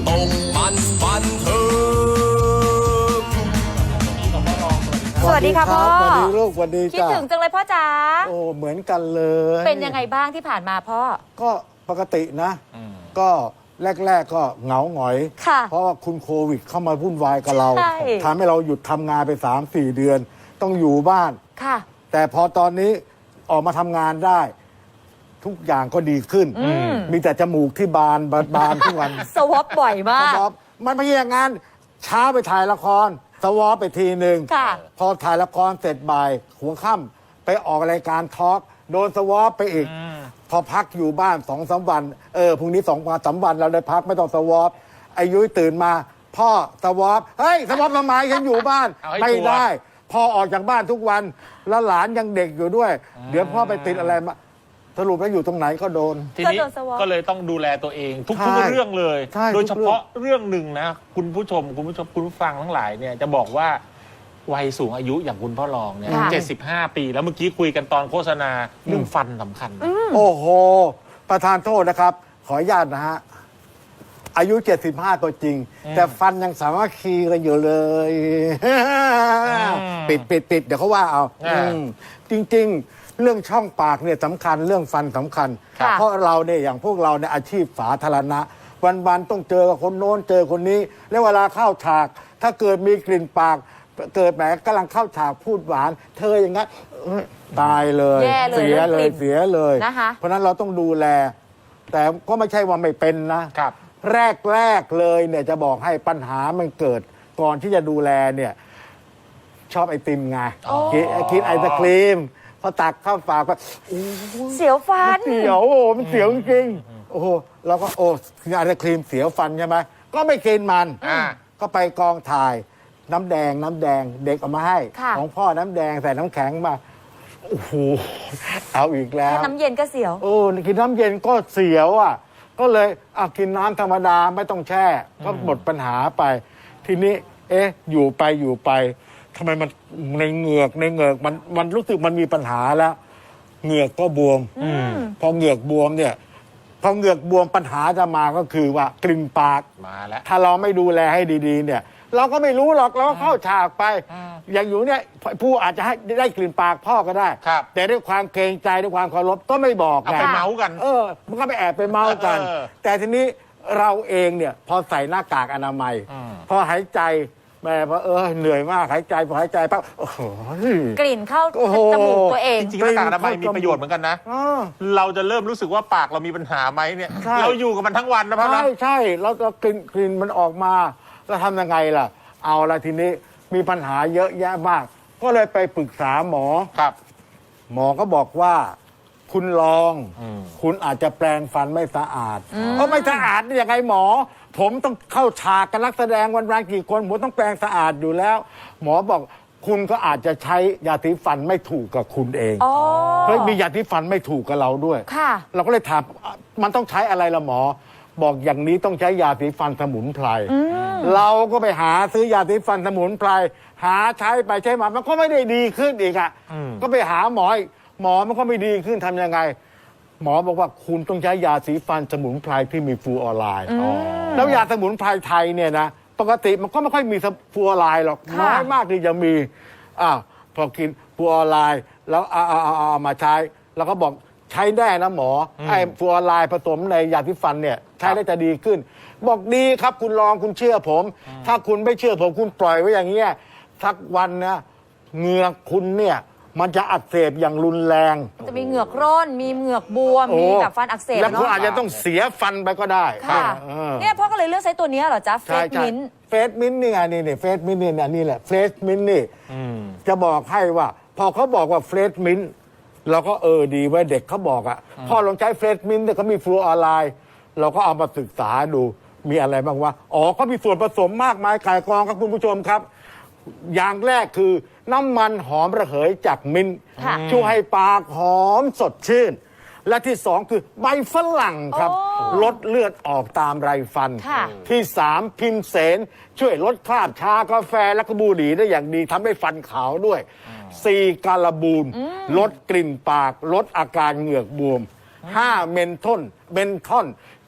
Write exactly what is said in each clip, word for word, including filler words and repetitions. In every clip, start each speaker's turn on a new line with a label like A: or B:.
A: ตกมันบันเทิง
B: สวัสดีค่ะพ่อ
C: สวัสดีลูกสวัสดีจ้า
B: คิดถึงจังเลยพ่อจ๋า
C: โอ้เหมือนกันเลย
B: เป็นยังไงบ้างที่ผ่านมาพ่อ
C: ก็ปกตินะก็แรกๆก็เหงาหงอยเพราะว่าคุณโควิดเข้ามาวุ่นวายกับเราทำให้เราหยุดทำงานไป สามสี่ เดือนต้องอยู่บ้าน
B: ค่ะ
C: แต่พอตอนนี้ออกมาทำงานได้ทุกอย่างก็ดีขึ้นมีแต่จมูกที่บานบานทุกวัน
B: สวอปบ่อยมาก
C: มันไม่ใช่อย่างนั้นเช้าไปถ่ายละครสวอปไปทีหนึ่งพอถ่ายละครเสร็จบ่ายหัวค่ำไปออกรายการทอล์กโดนสวอปไปอีกพอพักอยู่บ้านสองสามวันเออพรุ่งนี้สองวันสามวันเราได้พักไม่ต้องสวอปอายุตื่นมาพ่อสวอปเฮ้ยสวอปทำไมฉันอยู่บ้านไม่ได้พ่อออกจากบ้านทุกวันแล้วหลานยังเด็กอยู่ด้วย เดี๋ยวพ่อไปติดอะไรมาสรุปแล้วอยู่ตรงไหนก็โดน
D: ทีนี้ก็เลยต้องดูแลตัวเองทุกๆเรื่องเลย โดยเฉพาะเรื่องหนึ่งนะคุณผู้ชมคุณผู้ชมคุณผู้ฟังทั้งหลายเนี่ยจะบอกว่าวัยสูงอายุอย่างคุณพ่อรองเนี่ยเจ็ดสิบห้าปีแล้วเมื่อกี้คุยกันตอนโฆษณาเรื่องฟันสำคัญ
C: โอ้โหประธานโทษนะครับขออนุญาตนะฮะอายุเจ็ดสิบห้าก็จริงแต่ฟันยังสามารถคีกันอยู่เลยปิดปิดปิดเดี๋ยวเขาว่าเอาจริงๆเรื่องช่องปากเนี่ยสำคัญเรื่องฟันสำคัญเพราะเราเนี่ยอย่างพวกเราเนี่ยอาชีพสาธารณะวันๆต้องเจอกับคนโน้นเจอคนนี้แล้วเวลาเข้าฉากถ้าเกิดมีกลิ่นปากเกิดแหมกำลังเข้าฉากพูดหวานเธออย่างงั้นตายเลยเสียเลยเสียเลยเพราะนั้นเราต้องดูแลแต่ก็ไม่ใช่ว่าไม่เป็นนะแรกแรกเลยเนี่ยจะบอกให้ปัญหามันเกิดก่อนที่จะดูแลเนี่ยชอบไอติมไงกินไอศครีมพอตักเข้าปากก็
B: เสียวฟัน
C: เสียวโอ้มันเสียวจริงโอ้โหเราก็โอ้กินไอศครีมเสียวฟันใช่ไหมก็ไม่กินมันก็ไปกองถ่ายน้ำแดงน้ำแดงเด็กเอามาให้ของพ่อน้ำแดงใส่น้ำแข็งมาโอ้โหเอาอีกแล้ว
B: น้ำเย็นก็เสียว
C: โอ้กินน้ำเย็นก็เสียวอ่ะก็เลยอ่ะกินน้ำธรรมดาไม่ต้องแช่ก็หมดปัญหาไปทีนี้เอ๊ะอยู่ไปอยู่ไปทำไมมันในเหงือกในเหงือกมันมันรู้สึกมันมีปัญหาแล้วเหงือกก็บวมพอเหงือกบวมเนี่ยพอเหงือกบวมปัญหาจะมาก็คือว่ากลิ่นปาก
D: มาแล้ว
C: ถ้าเราไม่ดูแลให้ดีๆเนี่ยเราก็ไม่รู้หรอกเราก็เข้าฉากไปอย่างอยู่เนี่ยผู้อาจจะให้ได้กลิ่นปากพ่อก็ได้แต่ด้วยความเกรงใจด้วยความเคารพก็ไม่บอกไง
D: ไปเมาส์กัน
C: เออมันก็ไปแอบไปเมาส์กันแต่ทีนี้เราเองเนี่ยพอใส่หน้ากากอนามัยพอหายใจแม่พอเออเหนื่อยมากหายใจพอหายใจปั๊บโอ้โห
B: กลิ่นเข้าจมูกตัวเอง
D: จริงๆหน้ากากอนามัยมีประโยชน์เหมือนกันนะเราจะเริ่มรู้สึกว่าปากเรามีปัญหาไหมเนี่ยเราอยู่กับมันทั้งวันนะพ่อ
C: ใช่ใช่เราจะกลิ่นกลิ่นมันออกมาแล้วทำยังไงล่ะเอาละทีนี้มีปัญหาเยอะแยะมากก็เลยไปปรึกษาหมอ
D: ครับ
C: หมอก็บอกว่าคุณลองคุณอาจจะแปรงฟันไม่สะอาดเพราะไม่สะอาดนี่ยังไงหมอผมต้องเข้าฉากกับนักแสดงวันวันกี่คนผมต้องแปรงสะอาดอยู่แล้วหมอบอกคุณก็อาจจะใช้ยาสีฟันไม่ถูกกับคุณเองเฮ้ยมียาสีฟันไม่ถูกกับเราด้วยเราก็เลยถามมันต้องใช้อะไรล่ะหมอบอกอย่างนี้ต้องใช้ยาสีฟันสมุนไพรเราก็ไปหาซื้อยาสีฟันสมุนไพรหาใช้ไปใช้มามันก็ไม่ได้ดีขึ้นอีกอ่ะก็ไปหาหมอหมอมันก็ไม่ดีขึ้นทำยังไงหมอบอกว่าคุณต้องใช้ยาสีฟันสมุนไพรที่มีฟลูออไรด์แล้วยาสมุนไพรไทยเนี่ยนะปกติมันก็ไม่ค่อยมีฟลูออไรด์หรอกน้อยมากที่จะมีอ้าวพอกินฟลูออไรด์แล้วเอาเอาเอาเอามาใช้แล้วก็บอกใช้ได้นะหมอไอ้ฟลูออไรด์ผสมในยาสีฟันเนี่ยใช้ได้จะดีขึ้นบอกดีครับคุณลองคุณเชื่อผมถ้าคุณไม่เชื่อผมคุณปล่อยไว้อย่างเงี้ยสักวันนะเหงือกคุณเนี่ยมันจะอักเสบอย่างรุนแรง
B: จะมีเหงือกร่นมีเหงือกบวมมีแบบฟันอักเสบ
C: แล้วคุณอาจจะต้องเสียฟันไปก็ได้
B: ค่ะเนี่ยพ่อก็เลยเลือกใช้ตัวนี้เหรอจ๊ะเฟสมิน
C: เฟสมินนี่ไงนี่นี่เฟสมินนี่นี่แหละเฟสมินนี่จะบอกให้ว่าพอเขาบอกว่าเฟสมินเราก็เออดีไว้เด็กเขาบอกอ่ะพ่อลองใช้เฟสมินแต่เขามีฟลูออไรด์เราก็เอามาศึกษาดูมีอะไรบ้างวะอ๋อก็มีส่วนผสมมากมายก่ายกองครับคุณผู้ชมครับอย่างแรกคือน้ำมันหอมระเหยจากมิ้นช่วยให้ปากหอมสดชื่นและที่สองคือใบฝรั่งครับลดเลือดออกตามไรฟันที่สามพิมเสนช่วยลดคราบชากาแฟและก็บุหรี่ได้อย่างดีทำให้ฟันขาวด้วยสี่กาลาบูนลดกลิ่นปากลดอาการเหงือกบวมห้าเมนทอนเมนทอน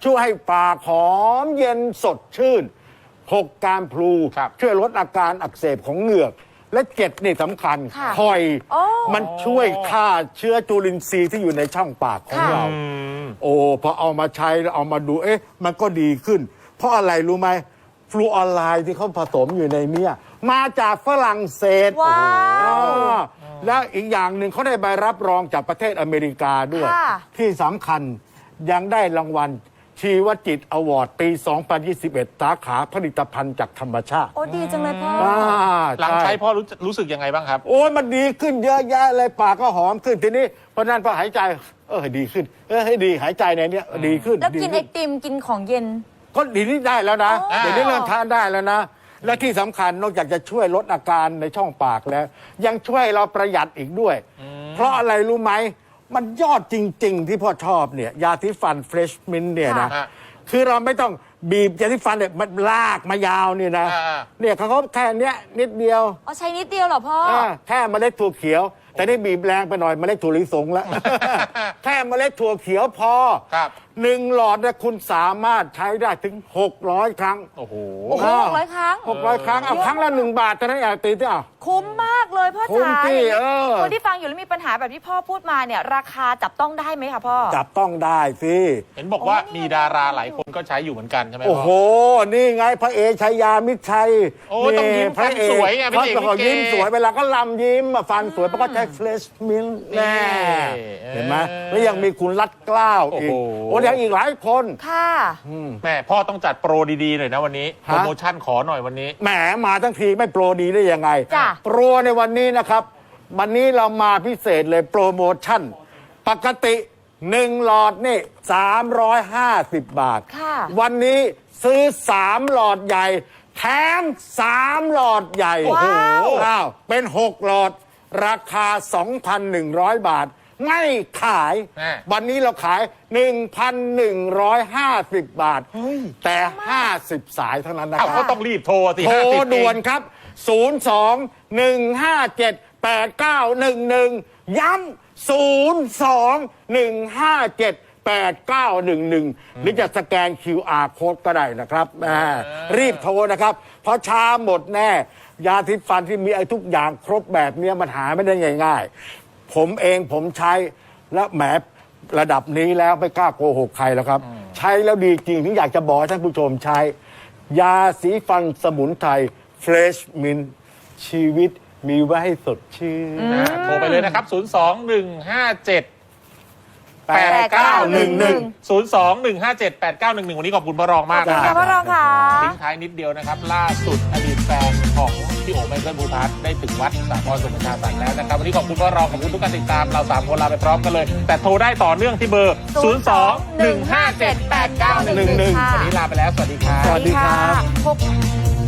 C: ช่วยให้ปากหอมเย็นสดชื่นหกการพลู
D: ครับ
C: ช่วยลดอาการอักเสบของเหงือก และเจ็ดนี่สำคัญ
B: ค่ะ
C: คอย
B: โอ้
C: มันช่วยฆ่าเชื้อจุลินทรีย์ที่อยู่ในช่องปากของ
B: ค่ะ
C: เรา โอ้พอเอามาใช้แล้วเอามาดูเอ๊ะมันก็ดีขึ้น เพราะอะไรรู้ไหมฟลูออไรด์ที่เขาผสมอยู่ในเนี้ยมาจากฝรั่งเศส
B: ว้าว
C: อ๋อแล้วอีกอย่างหนึ่งเขาได้ใบรับรองจากประเทศอเมริกาด้วย
B: ค่ะ
C: ที่สำคัญยังได้รางวัลชีวจิตอวอร์ดปี สองพันยี่สิบเอ็ด สาขาผลิตภัณฑ์จากธรรมชาติ
B: โอ้ดีจังเลยพ่อ
C: อ่า
D: หลังใช้
C: ช่
D: พ่อรู้รู้สึกยังไงบ้างครับ
C: โอ้ยมันดีขึ้นเยอะแยะเลยปากก็หอมขึ้นทีนี้เพราะนั้นพอหายใจเออดีขึ้น เออให้ดีหายใจในเนี้ยดีขึ้น
B: แล้วกิน
C: ดี
B: ไอ
C: ขึ้
B: ติมกินของเย็น
C: ก็ดีนี่ได้แล้วนะ
B: อ๋อ
C: เดี๋ยวนี้เริ่มทานได้แล้วนะ และที่สำคัญนอกจากจะช่วยลดอาการในช่องปากแล้ว ยังช่วยเราประหยัดอีกด้วย เพราะอะไรรู้ไหม มันยอดจริง ๆ ที่พ่อชอบเนี่ยยาสีฟันเฟรชมินเนี่ยนะ
D: ค่ะ
C: คือเราไม่ต้องบีบยาสีฟันเนี่ยมันลากมายาวเนี่ยนะ
D: อ่า
C: เนี่ยเขาก็แค่เนี้ยนิดเดียว
B: อ๋อใช้นิดเดียวเหรอพ่อ
C: อ่าแค่เมล็ดถั่วเขียว แต่นี่บีบแรงไปหน่อยเมล็ดถั่วลิสงแล้ว แค่เมล็ดถั่วเขียวพอ
D: ครับ
C: หนึ่งหลอดเนี่ยคุณสามารถใช้ได้ถึงหกร้อยครั้ง
D: โอ้โห
B: โอ้โหหกร้อยครั้ง
C: หกร้อยครั้งเอา
B: เยอะ
C: ครั้งละหนึ่งบาทเท่านั้นเองตีที่อ่ะ
B: คุ้มมากเลยพ่อ
C: คุ้ม
B: จ๋า
C: ที่
B: อย่างนี้
C: เออ
B: คนที่ฟังอยู่แล้วมีปัญหาแบบที่พ่อพูดมาเนี่ย ราคาจับต้องได้ไหมคะพ่อ
C: จับต้องได้สิ
D: เห็นบอกว่า
B: โอ้นี่
D: มีดาราหลายคนก็ใช้อยู่เหมือนกันใช่ไหม
C: โอ้
D: พ่
C: โห นี่ไงพระเอกชัยยามิตรชัย
D: โอ้ต้องยิ้ม
C: พระเอก
D: ฟันสวยไงพระเอก
C: เขาบอก
D: ลิเก
C: ยิ้มสวยเวลาก็ลำยิ้มอะฟันสวยเพราะก็ใช้เฟลชมิลแน่
D: นี่
C: เห็นไหมแล้วยังมีคุณรัดเกล้าวอีก
D: โอ้โห
C: โอ้ยังอีกหลายคน
B: ค่ะ
D: แม่พ่อต้องจัดโปรดีๆหน่อยนะวันนี้
C: ฮะ
D: โปรโมชั่นขอหน่อยวันนี้
C: แหมมาทั้งทีไม่โปรดีได้ยังไง
B: จ้ะ
C: โปรในวันนี้นะครับ วันนี้เรามาพิเศษเลยโปรโมชั่น ปกติหนึ่งหลอดนี่สามร้อยห้าสิบบาท
B: ค่ะ
C: วันนี้ซื้อสามหลอดใหญ่ แถมสามหลอดใหญ่
B: ว้าว
C: อ้าวเป็นหกหลอด ราคา สองพันหนึ่งร้อย บาท ไม่ขาย
D: แม่
C: วันนี้เราขาย หนึ่งพันหนึ่งร้อยห้าสิบ บาท แต่ ห้าสิบ สายเท่านั้นนะค
D: เอา
C: รับ
D: ก็ต้องรีบโทรสิ
C: โทร
D: ห้าสิบ
C: ด่วนครับ ศูนย์ สอง หนึ่ง ห้า เจ็ด แปด เก้า หนึ่ง หนึ่ง ย้ำ ศูนย์ สอง หนึ่ง ห้า เจ็ด แปด เก้า หนึ่ง หนึ่ง หรือจะสแกน คิว อาร์ Code ก็ได้นะครับแหมรีบโทรนะครับ เพราะช้าหมดแน่ ยาทิฟันที่มีไอ้ทุกอย่างครบแบบเนี้ยมันหาไม่ได้ง่ายๆ ผมเองผมใช้และแหมระดับนี้แล้วไม่กล้าโกหกใครแล้วครับ ใช้แล้วดีจริงถึงอยากจะบอกให้ท่านผู้ชมใช้ ยาสีฟันสมุนไพรเฟรชมินชีวิตมีไว้ให้สดชื่น
D: นะโทรไปเลยนะครับ ศูนย์ สอง หนึ่ง ห้า เจ็ด
C: แปดเก้าหนึ่งหนึ่ง
D: ศูนย์ สอง หนึ่ง ห้า เจ็ด แปด เก้า หนึ่ง หนึ่ง วันนี้ขอบคุณพ่อรองมาก
B: ขอบคุณ
D: นะ
B: ค่ะพ่อรองค่ะ
D: ทิ้งท้ายนิดเดียวนะครับ ล่าสุดอดีตแฟนของพี่โอ๋ไมเคิลภูทัศน์ได้ถึงวัดสามพรสุนทรสันแล้วนะครับ วันนี้ขอบคุณพ่อรองขอบคุณทุกการติดตามเราสามคนลาไปพร้อมกันเลย แต่โทรได้ต่อเนื่องที่เบอร์ ศูนย์ สอง หนึ่ง ห้า เจ็ด แปด เก้า หนึ่ง หนึ่ง
B: ค่ะ
D: วันนี้ลาไปแล้ว สวัสดีครับ
C: สวัสดีครับ
B: พบ